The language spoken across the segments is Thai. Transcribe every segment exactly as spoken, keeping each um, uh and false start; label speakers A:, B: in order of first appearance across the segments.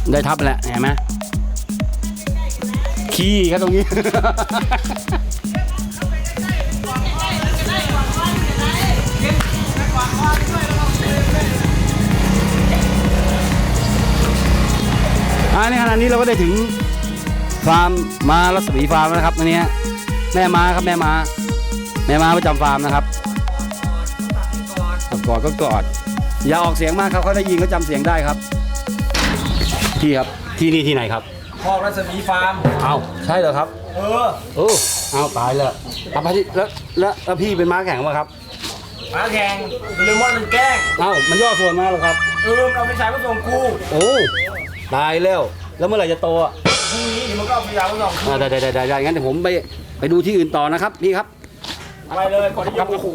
A: ได้ทับแหละเห็นไหมขี้ครับตรงนี้ อันนี้ขณะนี้เราก็ได้ถึงฟาร์มม้ารัศมีฟาร์มแล้วนะครับอันนี้แม่ม้าครับแม่ม้าแม่ม้าประจำฟาร์มนะครับกอดก็กอดอย่าออกเสียงมากครับเขาได้ยินเขาจำเสียงได้ครับพี่ครับที่นี่ที่ไหนครับ
B: พ่อรัศมีฟาร์ม
A: เอาใช่เหรอครับ
B: เออ
A: โอ้เอาตายแล้วเอาไปที่แล้วแล้วแล้วพี่เป็นม้าแข่งป่ะครับ
B: ม้าแข่งเลมอนมันแกล้ง
A: เอ้ามันย่อส่วนมาหรอครับ
B: เออเอาไปใช้มาส่งกู
A: โอ้ตายแล้วแล้วเมื่อไหร่จะโตอ่ะ
B: พรุ่งนี้เดี๋ยวมันก็เอาไปยาวมาส่งกู
A: ได้ได้ได้ได้งั้นเดี๋ยวผมไปไปดูที่อื่นต่อนะครับพี่ครับ
B: ไปเลยก่อนที่จะโอ้โห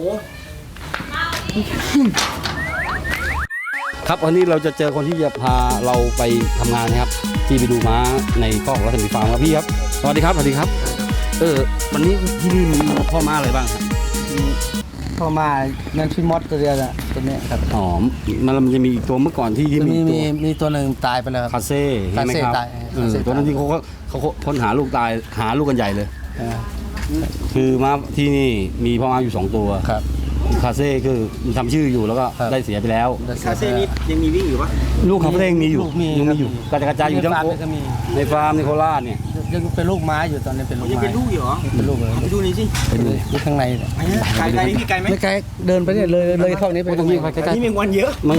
A: ครับวันนี้เราจะเจอคนที่จะพาเราไปทำงานนะครับที่ไปดูม้าในคอกรัศมีฟาร์มครับพี่ครับสวัสดีครับสวัสดีครับเออวันนี้ที่นี่มีพ่อม้าอะไรบ้างครับ
C: พ่อม้านั่นพี่มดตัวเดียวนะตัวนี้ครับ
A: อ๋อมันมันจะมีอีกตัวเมื่อก่อนที่ที่
C: มีมีมีตัวหนึ่งตายไปแล้ว
A: คาเซ่ใช่ไหมครับตัวนั้นที่เขาเขาค้นหาลูกตายหาลูกกันใหญ่เลยคือม้าที่นี่มีพ่อม้าอยู่สองตัว
C: ครับ
A: คาเซ่คือทำชื่ออยู่แล้วก็ได้เสียไปแล้ว
B: คาเซ่นี้ยังมีวิ่งอยู่ปะ
A: ลูกคาเซ่มีอยู่ยังมีอยู่กระจายอยู่ทั้งในฟาร์มในโคราชเนี่ย
C: ยังเป็นลูกม้าอยู่ตอนนี้เป็นลูก
B: ม้าเป็นลูกอยู่เหรอ
C: เป็นลูกเลย
B: ไปดูนี่สิ
C: เป็นอยู่ข้างใน
B: ไกลไกลนี่พี่ไกลไหม
C: ไม่ไกลเดินไปเนี่ยเลยเลยเข้านี้ไป
A: ตรงนี้ใกล้
B: ๆนี่มีวันเยอะ
A: มัน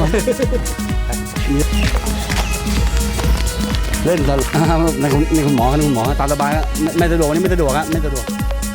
A: เล่นตลกในคุณในคุณหมอในคุณหมอตามสบายครับไม่สะดวกนี่ไม่สะดวกครับไม่สะดวก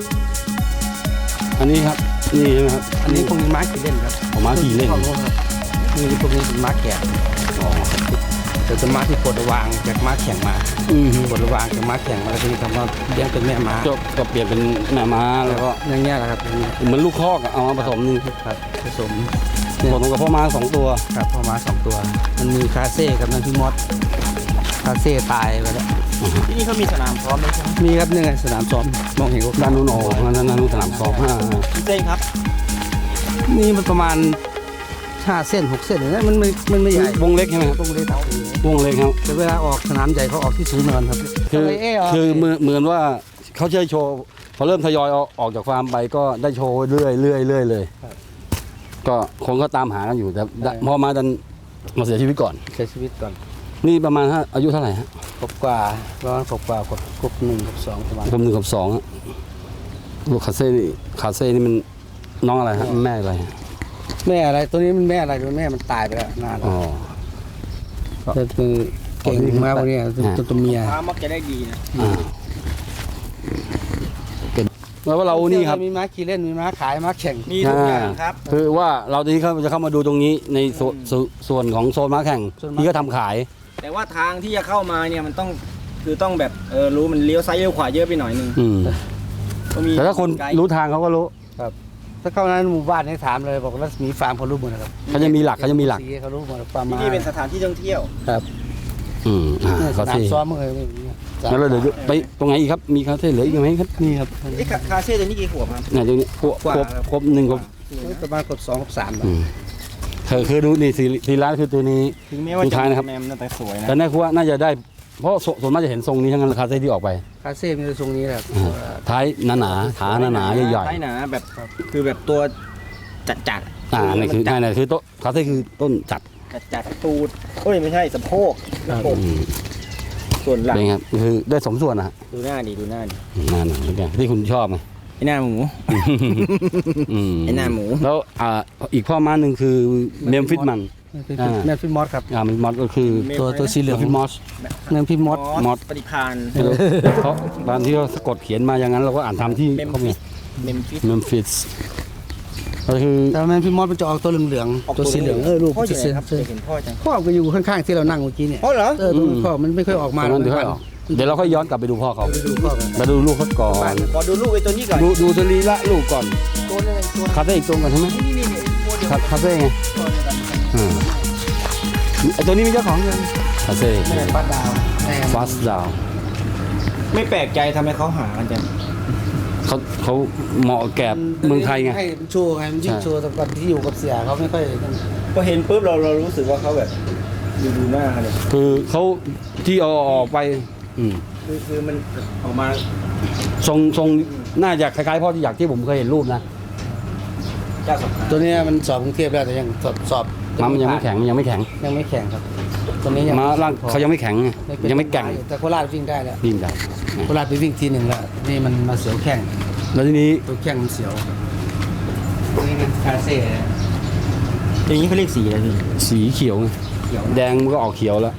A: อันนี้ครับนี่ใช่ไหมครับ
C: อันนี้พวกนี้ม้าขี่เล่นครับ
A: ผมม้าขี่เล่น
C: นี่พวกนี้เป็นม้าแก่แต่เป็นม้าที่ปลดระวางจากม้าแข่งมาปลดระวางจากม้าแข่งมาแล้วทีนี้ทำมาเลี้ยงเป็นแม่ม้า
A: ก็เปลี่ยนเป็นแม่ม้าแล้วก็
C: อย่างเงี้ยแหละครับ
A: เหมือนลูกคอกเอามาผสมนี่
C: ครับผสม
A: ผสมกับพ่อม้าสองตัว
C: ครับพ่อม้าสองตัวมันมีคาเซ่กับนั่นพี่มดคาเซ่ตายไปแล้ว
B: ที่นี่เขามีสนามซ้อมไหมครับ
C: มีครับนี่ไงสนามซ้อมมองเห็นก็
A: ด้านนู้นโอ้ด้านนู้นสนามซ้อมห้า
B: พี่เต้ครับ
C: นี่มันประมาณห้าเส้นหกเส้นอย่างนี้มันไม่มันไม่ใหญ่
A: วงเล็กใช่ไหมครับ
C: วงเล็กครับ
A: วงเล็กครับ
C: แต่เวลาออกสนามใหญ่เขาออกที่ศูนย์เนินครับ
A: คือคือเหมือนเหมือนว่าเขาจะโชว์พอเริ่มทยอยออกจากฟาร์มไปก็ได้โชว์เรื่อยเรื่อยเรื่อยเลยก็คนก็ตามหากันอยู่แต่พอมาดันมาเสียชีวิตก่อน
C: เสียชีวิตก่อน
A: นี่ประมาณอายุเท่าไหร่ฮะ
C: ครบกว่าประมาณครบกว่าครบหนึ่งครบสองประมาณ
A: ครบหนึ่งครบสองลูกคาเซ่นี่คาเซ่นี่มันน้องอะไรฮะแม่อะไร
C: แม่อะไรตัวนี้มันแม่อะไรตัวแม่มันตายไปแล้วนานแล้วแต่คือเก่งมากวันนี้ตัวตัวเมีย
B: ม้ามักจะได้ดีนะ
A: แล้วว่าเรานี่ครับ
C: มีม้าขี่เล่นมีม้าขายม้าแข่ง
B: มีทุกอย่างครับ
A: คือว่าเราตอนนี้เขาจะเข้ามาดูตรงนี้ในส่วนของโซนม้าแข่งที่ก็ทำขาย
B: แต่ว่าทางที่จะเข้ามาเนี่ยมันต้องคือต้องแบบเออรู้มันเลี้ยวซ้ายเลี้ยวขวาเยอะไปหน่อยนึง
A: แต่ถ้าคนรู้ทางเขาก็รู้
C: ครับถ้าเข้าในหมู่บ้านให้ถามเลยบอกว่ามีฟาร์มเขารู้หมดนะครับ
A: เขาจะมีหลักเขาจะมีหลัก
C: เขารู้หมดฟาร์ม
B: ที่นี่เป็นสถานที่ท่องเที่ยว
C: ครับ
A: อืม
C: คาเซ่ซ้อมเมื่อไหร่
A: แล้วเราเดี๋ยวไปตรงไหนอีกครับมีคาเซ่เหลืออีกไหมครับนี่ครับ
B: ไอ้คาเซ่ตัวนี้กี่ขวบครับ
A: เนี่ยตรงนี้ครบครบหนึ่งครบ
C: ประมาณครบสองครบสาม
A: เธอคือดูนี่สีร้านคือตัวนี้
B: ถึงแม้ว่าจะแมมแต่สวยนะ
A: แต่แน่คือว่าน่าจะได้เพราะส่วนมากจะเห็นทรงนี้ทั้งนั้นคาเซ่ที่ออกไป
C: คาเซ่มีทรงนี้แหละ
A: ท้ายหนาหนาขาหนาหนาใหญ่
B: ๆท้ายหนาแบบคือแบบตัวจัดจัด
A: อ่านี่คือนี่คือต้นคาเซ่คือต้นจัด
B: จัดจัดตูดโอ้ยไม่ใช่สะโพกส่วนหลัง
A: เป็นครับคือได้สมส่วนนะ
B: ดูหน้าดิดูหน้าดิ
A: หน้าหนังที่คุณชอบไง
B: ไอ้หน้าหมูไอ้หน้าหมู
A: แล้วอ่าอีกพ่อม้าหนึ่งคือเมมฟิสมัน
C: เมมฟิสมอสครับ
A: อ่าเมมฟิสมอสก็คือ
C: ตัวตัวสีเหลือง
A: ฟิสมอส
C: เมมฟิสมอส
A: มอส
B: ปฏิภาณ
A: เขาตอนที่เขาสะกดเขียนมาอย่างนั้นเราก็อ่านทำที่เขามี
B: เมมฟิส
A: เมมฟิสก็คือ
C: แต่เมมฟิสมอสมันจะออกตัวเหลืองๆตัวสีเหลืองเออลูกจะเสียครับ
B: เห็นพ่อจัง
C: พ่อก็อยู่ข้างๆที่เรานั่งเมื่อกี้เนี่ย
B: พ่อเหรอ
C: เออพ่อมันไม่ค่อยออกมา
A: เดี๋ยวเราค่อยย้อนกลับไปดูพ่อเขามาดูลูกเขาก่อน
B: ขอดูลูกไอ้ตัวนี้ก่อน
A: ดูดูตัวลีละลูกก่อนคาเฟ่อีกตัวก่อนใช่ไหมคาเฟ่ไงไอ้ตัวนี้มีเจ้าของยังคาเฟ่
C: ฟาสดาว
A: ฟาสดาว
B: ไม่แปลกใจทำไมเขาหากันจัง
A: เขาเขาเหมาะแก่เมืองไทยไง
C: ให้โชว์ไงมันยิ่งโชว์ตอนที่อยู่กับเสียเขาไม่ค่อย
B: พอเห็นปุ๊บเราเรารู้สึกว่าเขาแบบดูดูหน้าเขาเลย
A: คือเขาที่เอาออกไปอืม
B: คือคือมันออกมา
A: ทรงทรงน่าจะคล้ายๆพ่อที่อยากที่ผมเคยเห็นรูปนะ
B: เจ้าสำคัญ
C: ตัวเนี้ยมันสอบกรุงเทพแล้วแต่ยังสอบสอบ
A: ม้ามันยังไม่แข็งมันยังไม่แข็ง
C: ยังไม่แข็งครับตัวนี้ยัง
A: ม้าร่างเขายังไม่แข็งไง
C: เป็น
A: ยังไม่แกร่ง
C: แต่โคราชวิ่งได้แล้ว
A: ดิ้นได้
C: โคราชไปวิ่งทีหนึ่งแล้วนี่มันมาเสียวแข้ง
A: แล้วทีนี้
C: ตัวแข้งมันเสียวนี่มันคาเซ่
B: อย่างนี้เขาเรียกสีอะไรพี่
A: สีเขียวไง
C: เขียว
A: แดงมันก็ออกเขียวแล้ว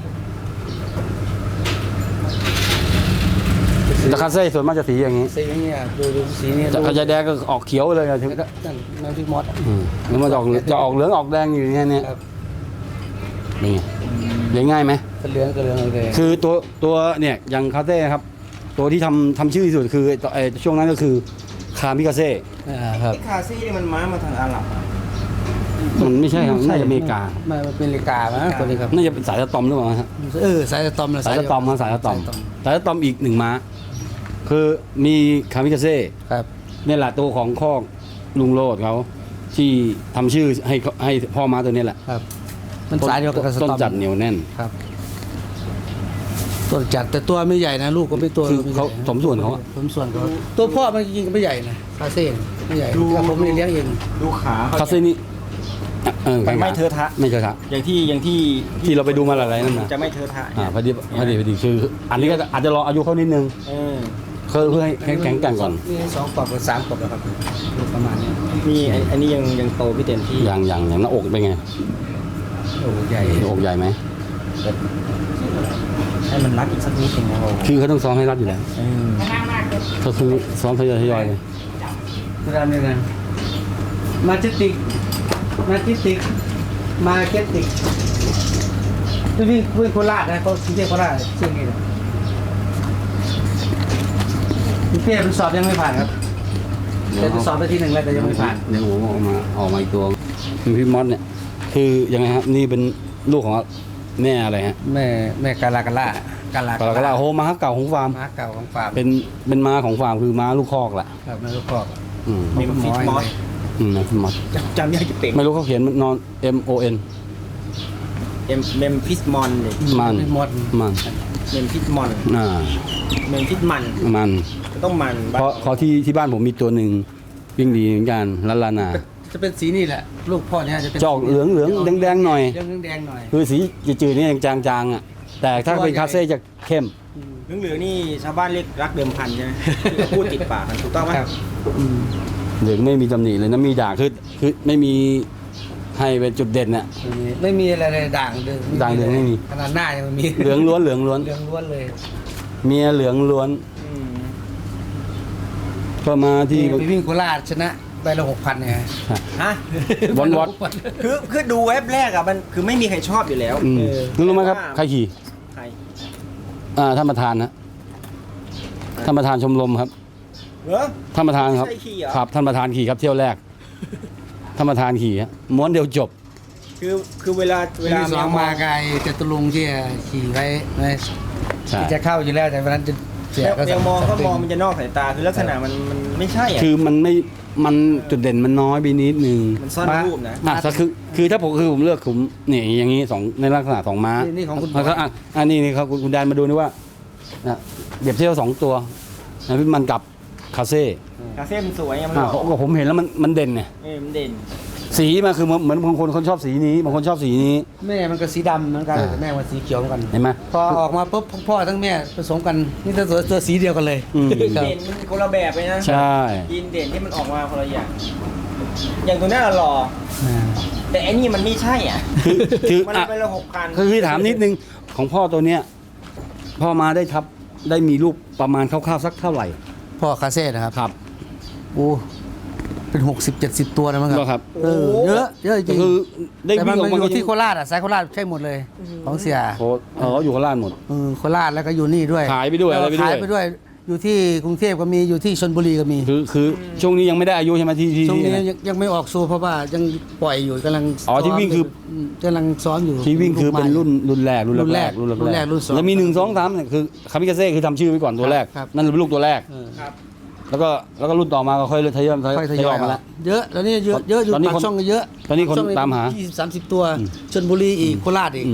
A: แต่คาเซ่ส่วนมากจะสีอย่างนี้
C: สีอย่างเงี้ยดูดูสีนี้
A: แต่กระจายแดงก็ออกเขียวเลยอะถึง
C: แล้วก็นั่นนั่นที่มอส
A: อืมแล้วมันจะออกจะออกเหลืองออกแดงอยู่อย่างเงี้ยเนี่ย
C: ครับ
A: นี่ไงเลี้ยงง่ายไหม
C: กระเหลืองกระเหลืองเลย
A: คือตัวตัวเนี่ยอย่างคาเซ่ครับ ตัวที่ทำทำชื่อที่สุดคือไอ้ไอ้ช่วงนั้นก็คือคามิคาเซ่
C: อ่าครับ
B: ไอ้คาซี่นี่มันม้ามาทางอาหรับอะ
A: มันไม่ใช่ครับน่าจะอเมริกา
C: ไม่มันเป็นอเมริกามั้งตัวนี้ครับ
A: น่าจะเป็นสายสตอมหรือเปล่าฮะ
C: เออสายสตอมเลย
A: สายสตอมมาสายสตอม
C: สายสตอม
A: สายสตอมอีกหนึ่งม้า คือมีคามิคาเซ่
C: ครับ
A: เนี่ยแหละตัวของคอกลุงโรดเขาที่ทำชื่อให้ให้พ่อม้าตัวนี้แหละ
C: ครับ มันสายเดียวกับสตอม
A: ต้นจัดเหนียวแน่น
C: ครับต้นจัดแต่ตัวไม่ใหญ่นะลูกก็ไม่ตัว
A: คือเขา
C: ไม่ใหญ่นะ
A: สมส่วนเขาอะ
C: สมส่วนเขาตัวพ่อมันจริงๆก็ไม่ใหญ่นะคาเซ่ไม่ใหญ่แต่ผมไม่ได้เลี้ยงเอง
B: ดูขาเขา
A: คาเซ่นี่เออ
B: มันไม่เทอะทะ
A: ไม่เทอะทะ
B: อย่างที่อย่างที่
A: ที่เราไปดูมาหลายๆนั่นนะ
B: จะไม่เทอะทะ
A: อ่าพอดีพอดีพอดีคือ อันนี้ก็อาจจะรออายุเขานิดนึง
B: เออ
A: เพื่อเพื่อให้แข็งแข็งแกร่งก่อน
C: มีสองกรอบกับสามกรอบแล้วครับประมาณนี้
B: นี่ไอ้อันนี้ยังยังโตไม่เต็มที่
A: อย่างอย่างอย่างหน้าอกเป็นไง
C: โอ้ใหญ่
A: หน้าอกใหญ่ไหม
B: ให้มันรัดอีกสักนิดนึงนะโอ้
A: คือเขาต้องซ้อมให้รัดอยู่แล้ว
B: เออ
A: ก็คือซ้อมทยอยทยอยเลย
C: ตัวดำเนี่ยนะมาเจติกมาเจติกมาเก็ตติกนี่วิ่งวิ่งโคราชนะเขาเรียกโคราชชื่อนี้นะพี่เป้มันสอบยังไม่ผ่านครับแต่จะสอบไปที่หนึ่งแล้วแต่ยังไม่ผ่าน
A: เดี๋ยวผมออกมาออกมาอีกตัวมีพี่มอสเนี่ย คือยังไงครับนี่เป็นลูกของแม่อะไรฮะ
C: แม่แม่กาลากาล่ากาลาก
A: าลากาลาโฮม้าเก่าของฟาร์ม
C: ม้าเก่าของฟาร์ม
A: เป็นเป็นม้าของฟาร์มคือม้าลูกคอกแหละ
C: ครับแม่ลูกคอก
A: อืม
B: มีฟิตมอส
A: อืมนะพี่มอส
B: จำจำยากจะเป่ง
A: ไม่รู้เขาเขียนนอน M O N
B: เอ็มเมมฟิสมอนเลย
A: มัน
C: หมด
A: มัน
B: เมมฟิสมอน
A: อ่า
B: เมมฟิสมัน
A: มัน
B: ต้องมัน
A: เพราะเขาที่ที่บ้านผมมีตัวหนึ่งวิ่งดีเหมือนกันลันลานา
C: จะเป็นสีนี่แหละลูกพ่อเนี่ยจะเป็น
A: จะออกเหลืองเหลืองแดงแดงๆหน่อย
C: เหลืองแดงๆหน่อย
A: คือสีจืดๆนี่ยังจางๆอ่ะแต่ถ้าเป็นคาเซ่จะเข้ม
B: เหลืองๆนี่ชาวบ้านเรียกรักเดิมพันใช่ไหมที่เขาพูดติดปากกันถูกต้องไหม
C: ครับอืม
A: เหลืองไม่มีตำหนิเลยนะมีด่างคือคือไม่มีให้เป็นจุดเด่นน่ะ
C: ไม่มีอะไรเลยด่างเดิม
A: ด่างเดิมไม่มี
C: ขนาดหน้ายังไม่มี
A: เหลืองล้วนเหลืองล้วน
C: เหลืองล้วนเลย
A: เมียเหลืองล้วน
B: อืม
A: ก็มาที่
C: ที่ไปวิ่งโคราชชนะไปละหกพันเนี่ย
B: ฮะ
A: วอนวอด
B: คือคือดูเว็บแรกอะมันคือไม่มีใครชอบอยู่แล้ว
A: อืม
B: เออ
A: รู้ไหมครับใครขี่
B: ใคร
A: อ่าท่านประธานนะท่านประธานชมรมครับ
B: เหรอ
A: ท่านประธานครับ
B: ใช่ขี่เหรอ
A: ครับท่านประธานขี่ครับเที่ยวแรกท่านประธานขี่ฮะม้วนเดียวจบ
B: คือคือเวลาเว
C: เว
B: ลา
C: ลาสองมาไกลจตุรงค์ที่ขี่ไว้นะ
A: ใช่
C: ที่จะเข้าอยู่แล้วแต่วันนั้นจะเสียก็
B: เดี๋ยวมองก็มองมันจะนอกสายตาคือลักษณะมันมันไม่ใช่อะ
A: คือมันไม่มันจุดเด่นมันน้อยไปนิดนึง
B: มันซ่อนรูปนะ
A: อ่ะก็คือคือถ้าผมคือผมเลือกผมเนี่ยอย่างนี้สองในลักษณะสองม้า
C: นี่นี่ของคุณ
A: แล้วก็อ่ะอันนี้นี่ครับคุณคุณแดนมาดูนี่ว่าอ่ะเดียบเที่ยวสองตัวนะพี่มันกับคาเซ่
B: คาเฟ่มันสวยอะมันห
A: อ่ะ
B: ล่อ
A: ก็ผมเห็นแล้วมันมันเด่นเนี่ย
B: เออมันเด่น
A: สีมันคือเหมือนเหมือนบางคนคนชอบสีนี้บางคนชอบสีนี้
C: แม่มันก็สีดำเหมือนกัน
A: อ่า
C: แต่แม่มันสีเขียวเหมือนกัน
A: เห็นไหม
C: พอออกมาปุ๊บทั้งพ่อทั้งแม่ผสมกันนี่ตัวตัวสีเดียวกันเลย
A: อืม
C: ครับ
B: เด่นมันคนละแบบเลยนะ
A: ใช่
B: ยีนเด่นที่มันออกมาคนละอย่าง อย่างตัวหน้าหล่อ
C: อ่า
B: แต่ไอ้นี่มันไม่ใช่อ่ะ
A: คือคือ
B: มัน
A: อ่ะ
B: ไปละหกพัน
A: คือคือถามนิดนึงของพ่อตัวเนี้ยพ่อมาได้ทับได้มีลูกประมาณคร่าวๆสักเท่าไหร่
C: พ่อคาเซ่นะครับ
A: ครับ
C: โอ้เป็นหกสิบเจ็ดสิบตัวนะมั้งค
A: ก็
C: รับ
A: ครับ
C: เออเยอะเยอะจ
A: ก็
C: ริง
A: คือได้
C: แต่มั
A: วิ่
C: น
A: งออก
C: มา
A: มา
C: อยู่ที่
A: ก็
C: โคราชอ่ะสายโคราชใช่หมดเลย ของเสีย
A: โคเอออยู่โคราชหมด
C: เออโคราชแล้วก็อยู่นี่ด้วย
A: ขายไปด้วยอะไรไปด้วย
C: ขายไปด้วย อยู่ที่กรุงเทพก็มีอยู่ที่ชลบุรีก็มี
A: คือคือช่วงนี้ยังไม่ได้อายุใช่ไหมที่ที่
C: ช่วงนี้
A: ที่
C: ยังยังไม่ออกสู่เพราะว่ายังปล่อยอยู่กำลัง
A: อ๋อที่วิ่งคือ
C: มกำลังซ้อมอยู่
A: ที่วิ่งคือเป็นรุ่นรุ่นแรกรุ่น
C: รุ่นแร
A: แร
C: ก
A: กรุ่น
C: รุ่นแรกรุ่นสอง
A: แล้วมีหนึ่งสองสามเนี่ยคือคามิกาเซ่คือทำชื่อไว้ก่อนตัวแรก
C: ครับ
A: นั่นเป็นลูกตัวแรก
C: เออ
B: ครับ
A: แล้วก็แล้วก็รุ่นต่อมาก็ค่อยทยอยทย
C: ค่อยท
A: อย
C: ยอย
A: ออกมาแล้ว
C: เยอะแล้วนี่เยอะเยอะอยู่
A: ตอนนี้
C: ปาก
A: คน
C: ช่องก็เยอะ
A: ตอนนี้คน
C: ปกช่ง
A: ตามหา
C: ยี่สิบสามสิบตัวชลบุรีอีกโคราชอีก
A: อืม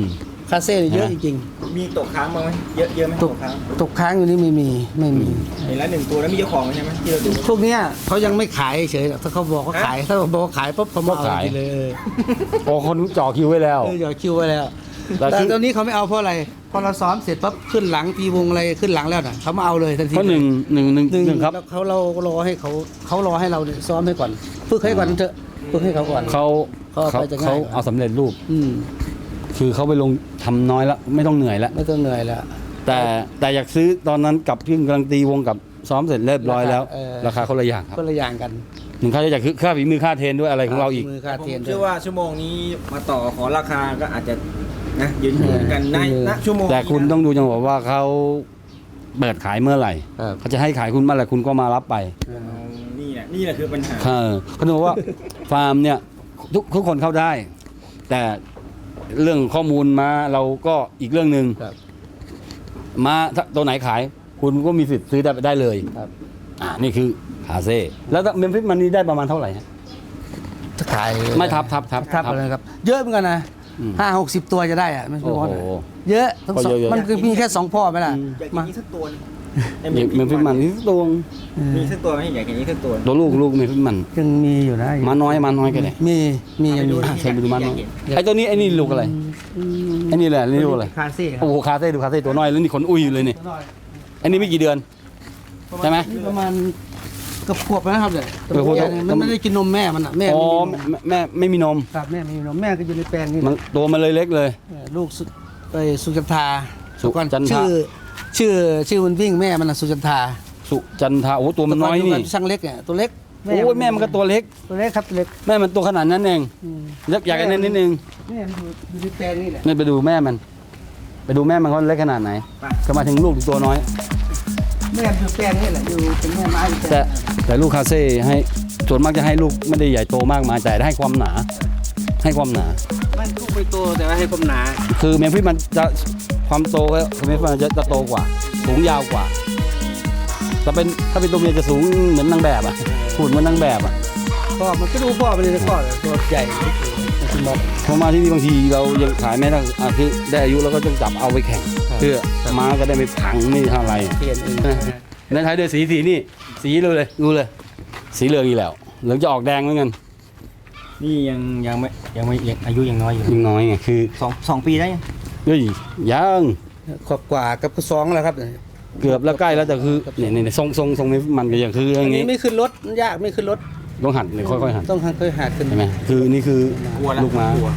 C: คาเซ่เยอะจริง
B: มีตกค้างบ้างไหมเยอะเยอะไหม
C: ๆต
B: ต
C: ก
B: กค้าง
C: ตกค้างอยู่นี่ไม่มีไม่มี
B: เห็นแล้วหนึ่งตัวแล้วมีเจ้าของใช่ไหมที่เราดู
C: พวกเนี้ยเขายังไม่ขายเฉยๆหรอกถ้าเขาบอกเขาขายถ้าบอกว่าขายปุ๊บเขามาเอาทีเลยเออ
A: โอ้คนจ่อคิวไว้แล้ว
C: เอออย่าคิวไว้แล้ว
A: แต่
C: แต่
A: คือ
C: ตอนนี้เขาไม่เอาเพราะอะไรพอเราซ้อมเสร็จปั๊บขึ้นหลังตีวงอะไรขึ้นหลังแล้วน่ะเขามาเอาเลยทันที
A: เพราะหนึ่งหนึ่งหนึ่ง
C: หนึ่ง
A: หนึ่งครับ
C: แล้วเขาเรารอให้เขาเขารอให้เราเนี่ยซ้อมให้ก่อนฝึกให้ก่อนเถอะฝึกให้เขาก่อน
A: เขา
C: เขาเอา
A: เขา
C: ไปจะง่าย
A: เขา
C: กว่า
A: เอาสำเร็จรูป
C: อืม
A: คือเขาไปลงทำน้อยแล้วไม่ต้องเหนื่อยแล้ว
C: ไม่ต้องเหนื่อยแล้ว
A: แต่แต่อยากซื้อตอนนั้นกับพี่กำลังตีวงกับซ้อมเสร็จเรียบร้อยแล้ว
C: เออ
A: ราคาคนละอย่างครับ
C: คนละอย่างกัน
A: หนึ่งค่าใช้จ่ายคือค่าฝีมือค่าเทรนด้วยอะไรของเราอีก
C: มือค่า
B: ผม
C: เทียน
B: เชื่อว่าชั่วโมงนี้มาต่อขอราคาก็อาจจะนะยืนยืนกันในณชั่วโมง
A: แต่คุณต้องดูจังหวะว่าเขาเปิดขายเมื่อไหร่
C: ครับ
A: เขาจะให้ขายคุณเมื่อไหร่คุณก็มารับไป
B: เอานี่แหละนี่แหละคือปัญหา
A: เออเขาบอกว่า ฟาร์มเนี่ยทุกทุกคนเข้าได้ แต่เรื่องข้อมูลมาเราก็อีกเรื่องหนึ่ง
C: ครับ
A: มาถ้าตัวไหนขาย คุณก็มีสิทธิ์ซื้อได้ได้เลย
C: ครับ
A: อ่านี่คือคาเซ่แล้วเมมฟิสมันนี่ได้ประมาณเท่าไหร่ฮะ
C: ถ้าขาย
A: ไม่ทับทับทับ
C: ทับอะไรครับ เยอะเหมือนกันนะ
A: อืม
C: ห้าหกสิบตัวจะได้อะไม่ใช่
A: โอ้
C: ว่า
A: โห
C: เยอะทั้งสอง
A: ก็เยอะๆ
C: มันคือมีแค่สองพ่อไหมล่ะ
B: อยากกิน
C: มา
B: นี้สักตัวนึง
A: เมมฟิสมันนี่ตัวง
C: เออ
B: มีสักตัวไหมอยากกินนี้สักตัว
A: ตัวลูกลูกเมมฟิสมัน
C: ยังมีอยู่นะ
A: มาน้อยมาน้อยก็ได้
C: มีมียังมี
A: อ่ะเชิญไปดูมาน้อยไอ้ตัวนี้ไอ้นี่ลูกอะไรไอ้นี่แหละนี่ลูกอะไร
C: คาเซ่ครับ
A: โอ้โหคาเซ่ดูคาเซ่ตัวน้อยแล้วนี่ขนอุ้ยอยู่เลยนี่อันนี้ไม่กี่เดือนใช่ไหม
C: นี่ประมาณเกับขวบแล้วนะครับเนี่ย
A: เออขวบ
C: มันไม่ได้กินนมแม่มันอ่ะแม่
A: อ๋อ
C: ไม่มีนม
A: แม่แม่ไม่มีนม
C: ครับแม่ไม่มีนมแม่ก็อยู่ในแปลงนี่
A: มันตัวมันเลยเล็กเลย
C: เออลูกสุไปสุจันทา
A: สุจันทรา
C: ชื่อชื่อชื่อมันวิ่งแม่มันน่ะสุจันทา
A: สุจันทาโอ้ตัวมันน้อยนี่
C: แต่ก่ช่างเล็กเนี่ยตัวเล็ก
A: โอ้ยแม่มันก็ตัวเล็ก
C: ตัวเล็กครับตัวเล็ก
A: แม่มันตัวขนาดนั้นเอง
C: อืม
A: เล็กใหญ่กันนิดนิดนึง
C: แม่มันอยู่อยู่ในแปลงนี่แหละ
A: นี่ไปดูแม่มัน ไปดูแม่มันเขาเล็กขนาดไหน ก็มาถึงลูกตัวน้อย
C: แม่มันอยู่แปลงนี่แหละอยู่เป็นแม่ไม้อยู่แปล
A: แต่
C: ง
A: แต่ลูกคาเซ่ให้ส่วนมากจะให้ลูกไม่ได้ใหญ่โตมากมายแต่ให้ความหนา ให้ความหนา
C: มันลูกไม่โตแต่ว่าให้ความหนา
A: คือเมมฟิสมันจะความโตก็เมมฟิสมันจะจะโตกว่า สูงยาวกว่าถ้าเป็นถ้าเป็นตัวเมียจะสูงเหมือนนางแบบอ่ะหุ่นเหมือนนางแบบอ่ะ
C: พ่อมันก็ดูพ่อไปเลยนะพ่อตัวใหญ่คุณหมอ
A: พอมาที่นี่บางทีเรายังขายไม่ได้อ่ะคือได้อายุเราก็ต้องจับเอาไปแข่ง
C: ครับ
A: เพื่อม้าก็ได้ไม่พังไม่เท่าไหร
C: เปลี่ยนเอง
A: ในไทยด้วยสีสีนี่ สีเลยเลยดูเลย สีเหลืองอีกแล้วเหลืองจะออกแดงเหมือนกัน
B: นี่ยังยังไม่ยังไม่ยังอายุยังน้อยอยู่
A: ยังน้อยไงคือ
B: สองสองปีได้ยัง
A: เฮ้ยยัง
C: ขอบกว่ากับสองแล้วครับ
A: เกือบแล้วใกล้แล้วแต่คือเนี่ยเนี่ยทรงทรงทรงมันก็ยังคืออ
C: อัน
A: ย่าง
C: นี้
A: งี้
C: ไม่ขึ้นรถยากไม่ขึ้นรถ
A: ต้องหัดเนี่ยค่อยๆหัด
C: ต้องค่อยๆหัดขึ้น
A: ใช่ไหมคือนี่คือก
B: ลัวแล้ว
A: ลูกม้าก
B: ลัว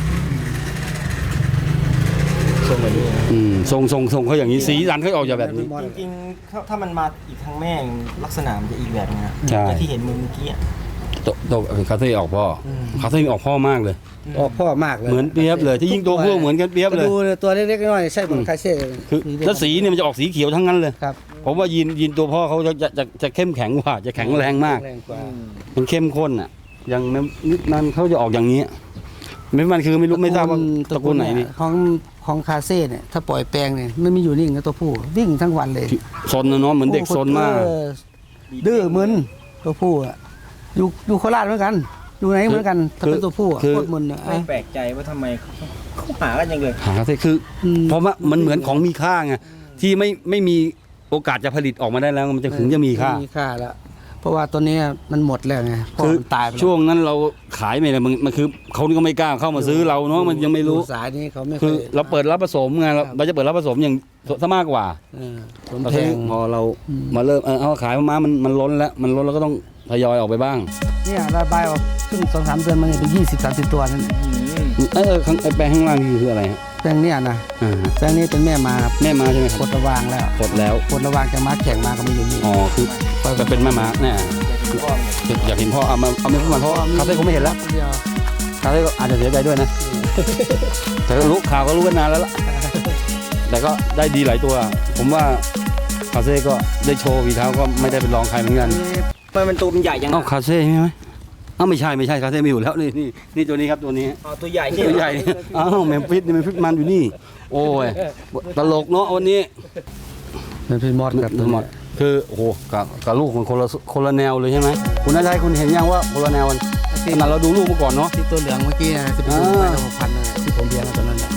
B: ทรงแบบนี้
A: อืมทรงทรงทรงเขาอย่างนี้สีสันเขาออกจากแบบนี้
B: จริงๆถ้าถ้ามันมาอีกทางแม่งลักษณะมันจะอีกแบบนึงนะ
A: ใช่
B: แต่ที่เห็นมือเมื่อกี้อะ
A: โตโตคาเซ่ออกพ่ออ
B: ม
A: คาเซ่ออกพ่อมากเลย
C: ออกพ่อมากเลย
A: เหมือนเปียบเลยที่ยิ่งตัวผู้เหมือนกันเปียบเลย
C: ดูตัวเล็กๆน้อยๆใช่เหมือนคาเซ่
A: คือแล้วสีเนี่ยมันจะออกสีเขียวทั้งนั้นเลย
C: ครับ
A: ผมว่ายีนยีนตัวพ่อเขาจะจะจะจะเข้มแข็งกว่าจะแข็งแรงมาก
C: แรงกว่า
A: มันเข้มข้นอ่ะอย่างนิดนั้นเขาจะออกอย่างนี้ไม่มันคือไม่รู้ไม่ทราบว่าตระกูลไหนนี่
C: ของของคาเซ่เนี่ยถ้าปล่อยแปลงเนี่ยไม่มีอยู่นิ่งนะตัวผู้วิ่งทั้งวันเลย
A: ซนนะเนาะเหมือนเด็กซนมาก
C: เออดื้อมึนตัวผู้อะอยู่อยู่โคราชเหมือนกัน อยู่ไหนเหมือนกันถ้าเป็นตัวผู้อะ
A: คือ
C: โคตรมึนอะ
B: ไม่แปลกใจว่าทำไมเขาเขาหากันยังเลย
A: หาคาเซ่คืออ
C: ม
A: เพราะว่ามันเหมือนของมีค่าไงที่ไม่ไม่มีโอกาสจะผลิตออกมาได้แล้วมันจะถึงจะมีค่า
C: มีค่าแล้ว เพราะว่าตัวเนี้ยมันหมดแล้วไงพ่อ
A: คือ
C: มันตายไปแล้ว
A: ช่วงนั้นเราขายไม่ได้มันมันคือเขาก็ไม่กล้าเข้ามาซื้อเราเนาะมันยังไม่รู้
C: สายนี้เขาไม่
A: คือ
C: อย
A: เราเปิดรับผสมไงเราเราจะเปิดรับผสมอย่างซะมากกว่า
C: เออผม
A: พอ
C: แพง
A: พอเรา
C: อืม
A: มาเริ่มเออเอาขายม้ามันมันล้นแล้วมันล้นแล้วก็ต้องทยอยออกไปบ้าง
C: เนี่ยระบายออกซึ่งสองสามเดือนมันเนี่ยเป็นยี่สิบสามสิบตัวนั่นแหละ
A: เออข้างไอ้แปลงข้างล่างนี่คืออะไรฮะ
C: แปลงเนี่ยนะ
A: อ่าฮะ
C: แปลงนี้เป็นแม่มาครับ
A: แม่ม้าใช่ไหมค
C: ก
A: รับ
C: ดระวางแล้ว
A: กดแล้ว
C: กดระวางจะมาแข่งมาก็ไม่อยู่นี่
A: อ๋อคือจะเป็นแม่ม้าแน่อยากเห็นพ่อเอามาเอาไม่มาเพราะว่าคาเฟ่คงไม่เห็นแล้ว
C: เดียว
A: คาเฟ่ก็อาจจะเสียใจด้วยนะ แต่ก็รู้ข่าวก็รู้กันนานแล้วล่ะแต่ก็ได้ดีหลายตัว ผมว่าคาเฟ่ก็ได้โชว์วีเท้าก็ไม่ได้เป็นรองใครเหมือนกัน
B: ทำไมมันตัวมันใหญ่ยัง
A: เอ้าคาเซ่ใช่ไหมเอ้าไม่ใช่ไม่ใช่คาเซ่ไม่อยู่แล้วนี่นี่นี่ตัวนี้ครับตัวนี้
B: อ๋อตัวใหญ่นี่
A: ตัวใหญ่อ้าวแมมฟิสนี่แมมฟิสมันอยู่นี่ โอ้ยตลกเนาะวันนี้
C: เป็นพี่มอดกับ
A: หมดคือโอ้โหกับกับลูกมันคนละคนละแนวเลยใช่ไหมคุณนายชัยคุณเห็นยังว่าคนละแนวกันขนาดเราดูลูกมาก่อนเนาะ
C: ที่ตัวเหลืองเมื่อกี้นะที่เป็น
A: อ่า
C: ไปละหกพันนะที่ผมเลี้ยงตอนนั้นน่ะ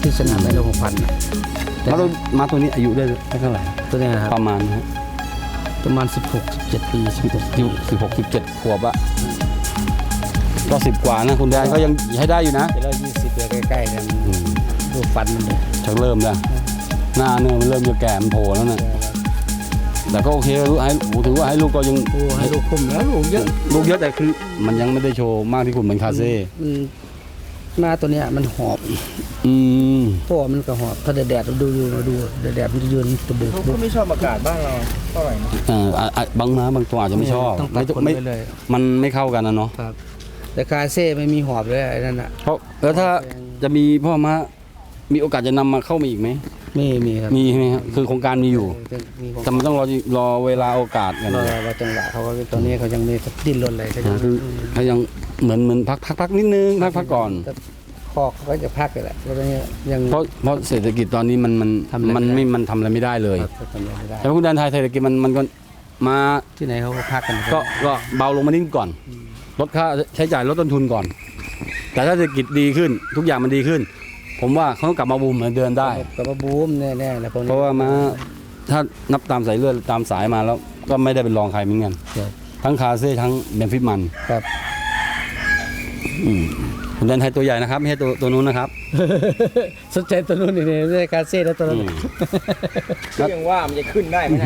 C: ที่สนามได้ละหกพัน
A: มาตัวมาตัวนี้อายุได้เท่าไหร่
C: ตัวนี้นะครับ
A: ประมาณนะฮะ
C: ประมาณสิบหก สิบเจ็ดปีสิบหกปี
A: สิบหกสิบเจ็ดขวบอะก็สิบกว่านะคุณแดนก็ยังใช้ได้อยู่นะ
C: เดี๋ยวเรายี่สิบเดือนใกล้ๆกันดูฟันมันเลย
A: ชักเริ่มแล้วหน้าเนื้อมันเริ่มจะแก่มันโผล่แล้วนะแต่ก็โอเคลูกให้ถือว่าให้ลูกก็ยัง
C: โอ้ให้ลูกคุ้มแล้วลูกเยอะ
A: ลูกเยอะแต่คือมันยังไม่ได้โชว์มากที่คุณเหมือนคาเซ่
C: มันหน้าตัวเนี้ยมันหอบ
A: อืม
C: พ่อมันก็หอบถ้าแดดๆเราดูอยู่มาดูแดดๆมันจะยืนตะบุก
B: เขาก็ไม่ชอบอากาศบ้านเราเท่าไหร่นะ
A: เอ่ออ่ะอ่ะบางม้าบางตัวอาจจะไม่ชอบ
C: ต้องตัด
A: ไม่
C: ขน
A: ไม่
C: ไปเลย
A: มันไม่เข้ากันนะเนาะ
C: ครับ แต่คาเซ่ไม่มีหอบเลยไอ้นั่นอ่ะ
A: เพราะแล้วถ้าจะมีพ่อม้ามีโอกาสจะนำมาเข้ามาอีกไหม
C: ไม่มีครับ
A: มีใช่ไหมครับคือโครงการมีอยู่
C: มีของ
A: แต่มันต้องรอรอเวลาโอกาสกัน
C: รอรอจังหวะเขาก็ตอนนี้เขายังไม่ดิ้นรนเลยเขายัง
A: คือเขายังเหมือนเหมือนพักพักพักนิดนึงพักพักก่อน
C: แต่คอกเขาก็จะพักกันแหละแล้วตอนนี้ยัง
A: เพราะเพราะเศรษฐกิจตอนนี้มันมัน
C: ทำอะไร
A: มัน
C: ไม่
A: ไม่
C: ได้
A: มันทำอะไรไม่ได้เลย
C: ครับทำอะไรไม่ได้
A: แต่คุณแดนไทยเศรษฐกิจมันมันก็มา
C: ที่ไหนเขาก็พักกัน
A: ก็ก็เบาลงมานิดก่อนลดค่าใช้จ่ายลดต้นทุนก่อน แต่ถ้าเศรษฐกิจดีขึ้น ทุกอย่างมันดีขึ้น ผมว่าเขาต้องกลับมาบูมเหมือนเดิมได้
C: กับมาบูมแน่ๆแล้วพวกนี้
A: เพราะว่ามาถ้านับตามสายเลือดตามสายมาแล้ว ก็ไม่ได้เป็นรองใครเหมือนกัน
C: ครับ
A: ทั้งคาเซ่ทั้งเบนฟิตมัน
C: ครับ
A: อืมคุณแดนไทยตัวใหญ่นะครับไม่ใช่ตัวตัวนู้นนะครับ
C: สนใจตัวนู้นนี่ไม่ใช่คาเซ่แล้วตัวนั้น
A: อืม
B: ก็ยังว่ามันจะขึ้นได้ไหมนะ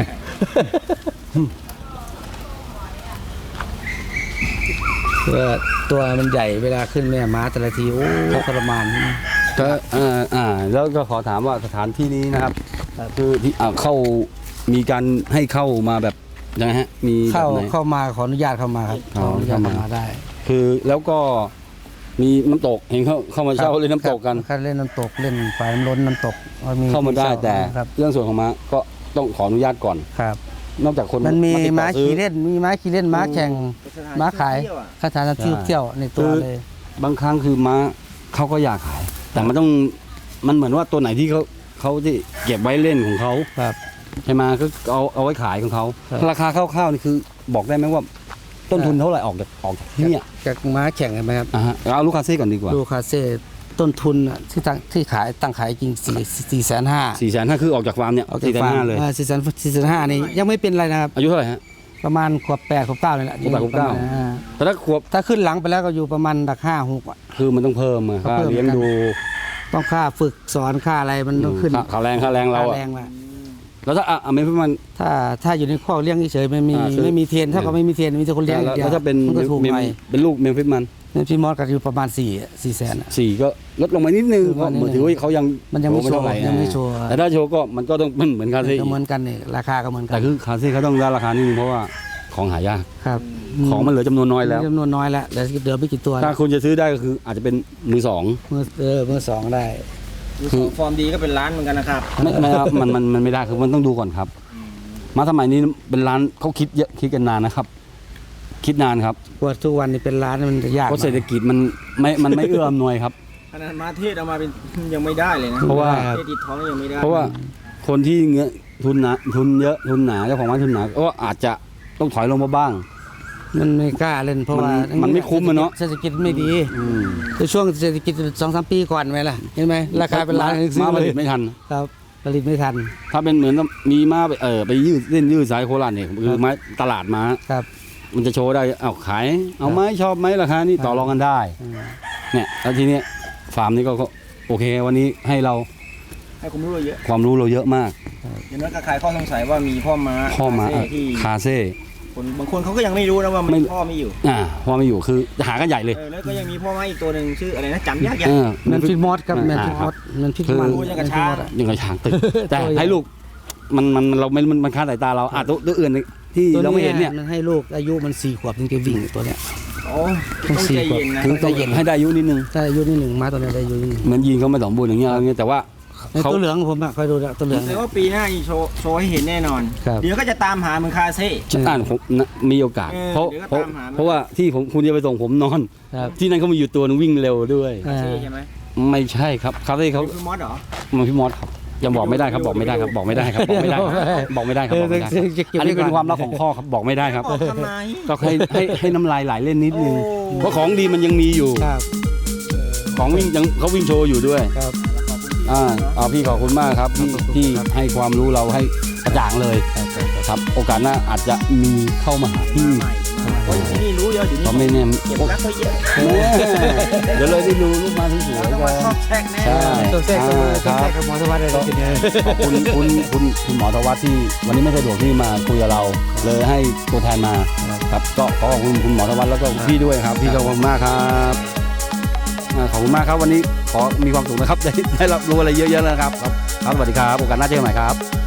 C: เพื่อตัวมันใหญ่เวลาขึ้นแม่ม้าแต่ละทีโอ้ทรมาน
A: ก็อ่าอ่าแล้วก็ขอถามว่าสถานที่นี้นะครับ
C: ครับ
A: คือที่อ่าเข้ามีการให้เข้ามาแบบยังไงฮะมีแบ
C: เข้า
A: บไหน
C: เข้ามาขออนุญาตเข้ามาครับ
A: อ๋
C: ข
A: อ
C: ออนุญาต
A: เข้ามา
C: เข้ามาได้
A: คือแล้วก็มีน้ำตกเห็นเข้าเข้ามาเช่าเล่นน้ำตกกัน
C: ครับเล่นน้ำตกเล่นไฟมันล้นน้ำตก
A: เข้ามาได้แต่
C: ครับ
A: เรื่องส่วนของม้าก็ต้องขออนุญาตก่อน
C: ครับ
A: นอกจากคน
C: มันมี
A: ติดต่อ
C: ม้า
A: ซื้อ
C: ขี่เล่นมีม้าขี่เล่นม้าแข่งม้าขาย
B: เที่วอะ
C: คาถาที่เที่ยวในตัวเลย
A: บางครั้งคือม้าเขาก็อยากขาย แต่มันต้องมันเหมือนว่าตัวไหนที่เขาเขาที่เก็บไว้เล่นของเขา
C: ครับ
A: ใช่ไหมก็เอาเอาไว้ขายของเขา
C: ครับ
A: ราคาคร่าวๆนี่คือบอกได้ไหมว่าต้นทุนเท่าไหร่ออกจากออกจากที่เนี่ย
C: จากม้าแข่งเห็นไหมครับ
A: อ่าฮะเอาลูกค้าเซ่ก่อนดีกว่า
C: ดูคาเซ่ต้นทุนอะที่ตั้งที่ขายตั้งขายจริงสี่สี่แสนห้า
A: สี่แสนห้าคือออกจากฟาร์มเนี่ย
C: ออกจาก
A: สี่แสน
C: ฟาร์
A: ห้าม เลย
C: สี่แสนสี่แสนห้านี่ยังไม่เป็นไรนะครับ
A: อายุเท่าไหร่ฮะ
C: ประมาณขวบแปดขวบเก้าเลยแหละ
A: ขวบแปดขวบเก้า
C: ประมณอ่
A: แต่ถ้าขวบ
C: ถ้าขึ้นหลังไปแล้วก็อยู่ประมาณดักห้าหกอะ
A: คือมันต้องเพิ่มอะ
C: ต้อง
A: ค่า
C: เพิ่ม
A: เลี้ยงดู
C: ต้องค่าฝึกสอนค่าอะไรมันต้องขึ้น
A: ค่าค่าแรงค่าแรงเรา
C: ค่า
A: อะ
C: แรงละ
A: แล้วถ้าอ่ะอ่ะไม่เพิ่มมัน
C: ถ้าถ้าอยู่ในข้อกเลี้ยงเฉยๆไม่มี
A: อ่าคือ
C: ไม่มีเทรนเท่ากับไม่มีเทรนมีแต่คนเลี้ยงอ
A: แล้ว
C: ย่างเดียว
A: แล้วถ้าเป็น
C: มันก็ถูก
A: เมม
C: ไป
A: เป็นลูกเมมฟิสมัน
C: เนี่ยพี่มอสก็อยู่ประมาณสี่สี่แสนอะ
A: สี่ก็ลดลงมานิดนึง
C: คือ
A: เพราะ
C: ว่า
A: เหมือนถือว่าเขายัง
C: มันยังไม่โชว์
A: เท่าไหร่
C: ยังไม่
A: นะ
C: โชว์
A: แต่ถ้าโชว์ก็มันก็ต้องมันเหมือนคาเซ่
C: ก็เหมือนกันเนี่ยราคาก็เหมือนกั
A: แต่คือคาเซ่เขาต้องได้ราคานิดนึงเพราะว่าของหายาก
C: ครับ
A: ของมันเหลือจำนวนน้อยแล้ว
C: จำนวนน้อยแล้วเหลือเหลือไม่กี่ตัว
A: ถ้าคุณจะซื้อได้ก็คืออาจจะเป็นมือสอง
C: มือเออมือสองได้
B: ดูสองฟอร์มดีก็เป็นล้านเหมือนกันนะครับ
A: ไม่ไม่ครับมันมันมันไม่ได้คือมันต้องดูก่อนครับ มาสมัยนี้เป็นร้านเขาคิดเยอะคิดกันนานนะครับ คิดนานครับ
C: ว่าทุกวันนี้เป็นร้านมันจะยาก
A: เพราะเศรษฐกิจมันไม่มันไม่เอื้ออำนวยครับ
B: ขนาดมาเทศเอามาเป็นยังไม่ได้เลยนะ
A: เพราะว่า
B: เทศติดท้องยังไม่ได้
A: เพราะว่าคนที่เงี้ยทุนหนาทุนเยอะทุนหนาเจ้าของร้านทุนหนาก็อาจจะต้องถอยลงมาบ้าง
C: มันไม่กล้าเล่นเพราะว่า
A: มันมันไม่คุ้มอะเนาะ
C: เศรษฐกิจไม่ดี
A: อืม
C: ในช่วงเศรษฐกิจสองสามปีก่อนไหมล่ะเห็นไหมราคาเป็นล้านยังซื้อ
A: มาผ
C: เล
A: ลิ
C: ย
A: ตไม่ทัน
C: ครับผลิตไม่ทัน
A: ถ้าเป็นเหมือนมีมาไปเออไปยืดเล่นยืดสายโคราชเนี่ยคือไม้ตลาดม้า
C: ครับ
A: มันจะโชว์ได้เอาขายเอาไหมชอบไหมราคานี่ต่อรองกันได้
C: อืม
A: เนี่ยแล้วทีเนี้ยฟาร์มนี้ก็ก็โอเค วันนี้ให้เรา
B: ให้ความรู้เราเยอะ
A: ความรู้เราเยอะมาก
B: อย่างน้อยก็คลายข้อสงสัยว่ามีพ่อม้า
A: ข้อมา
B: คาเซ่ที่
A: คาเซ่
B: คนบางคนเขาก็ยังไม่รู้นะว่ามัน
A: ไม่
B: พ่อไม่อยู่
A: อ่าพ่อไม่อยู่คือหากันใหญ่เลย
B: เออแล้วก็ยังมีพ่อม้าอีกตัวหนึ่งชื่ออะไรนะจำยากยาก
A: เออ
C: แมนฟิตมอสครับแมน
A: อ่า
C: ฟิตมอสแมนฟิต
A: คือ
C: มัน
B: พูดอย่างกับ
C: แมนฟิตมอส
B: ช้าง
C: อะ
A: ยังไงช้างตึกแต่
C: ตัวใหญ่
A: ให้ลูกมันมันเราไม่มันมันคาดสายตาเราอ่ะตัวตัวอื่นที่
C: ตัว
A: เราไม่เห็นเนี่ย
C: มันให้ลูกอายุมันสี่ขวบถึงจะวิ่งตัวเนี้ย
B: โอ้ต้องใจเย็นนะ
A: คือต้องให้ได้อายุนิดนึง
C: ถ้าอายุนี่หนึ่งมาตัวเนี้ยได้อายุนี่หนึ่ง
A: เหมือนยีนเขาไม่สมบูรณ์อย่างเงี้ยอะไรเงี้ยแต่ว่า
C: ใน
A: เขา
C: ตัวเหลืองผมอะคอยดูนะตัวเหลือง
B: แสดงว่าปีหน้านี่โชว์โชว์ให้เห็นแน่นอน
C: ครับ
B: เดี๋ยวก็จะตามหาเหมือนคาเซ่
A: อ่านผมนะมีโอกาส
B: เออ
A: เพราะ
B: เดี๋ยวก็
A: เพราะ
B: ตามหามัน
A: เพราะว่าที่ผมคุณจะไปส่งผมนอน
C: ครับ
A: ที่นั่นเขามีอยู่ตัวนึงวิ่งเร็วด้วย
C: อ่า
B: ใช่ใช่ไหม
A: ไม่ใช่ครับคาเฟ่เขา
B: คือมอสเหรอ
A: มันพี่มอสครับยังบอกไม่ได้ครับบอกไม่ได้ครับบอกไม่ได้ครับบอกไม่ได้ครับบอกไม่ได้ครับบอกไม่ได้ครับอันนี้เป็นความลับของพ่อครับบอกไม่ได้ครับ
B: บอกทำไม
A: ก็ให้ให้ให้น้ำลายไหลเล่นนิดนึง
B: โอ้
A: เพราะของดีมันยังมีอยู่
C: ครับ
A: ของวิ่งยังเขาวิ่งโชว์อยู่ด้วย
C: ครับ
B: ขอบคุณที่
A: อ่าเอาพี่ขอบคุณมากครับที่ที่ให้ความรู้เราให้กระจ่างเลยครับโอกาสหน้าอาจจะมีเข้ามาหาพี่
B: เพราะที่นี่รู้เยอะเดี๋ยวนี้
A: เพราะไม่แน่
B: เก็บรักไว้เยอะ
A: เดี๋ยวเลยได้ดูลูกมาสวยๆ
B: ต้อง
A: กั
B: มาน ชอบแทรกแน่
A: ใช่
C: ตัวแทรกกับตัวแทรกกับหมอสวัสดิ์เลยทีเดียว
A: ขอบคุณคุณคุณคุณหมอธวัฒน์ที่วันนี้ไม่สะดวกที่มาคุยกับเรา เลยให้ตัวแทนมาครับก็ขอขอบคุณคุณหมอธวัฒน์แล้วก็พี่ด้วยครับพี่ขอบคุณมากครับอ่าขอบคุณมากครับวันนี้ขอมีความสุขนะครับได้ได้รับรู้อะไรเยอะๆนะครับครับครับสวัสดีครับโอกาสหน้าเจอกันใหม่ครับ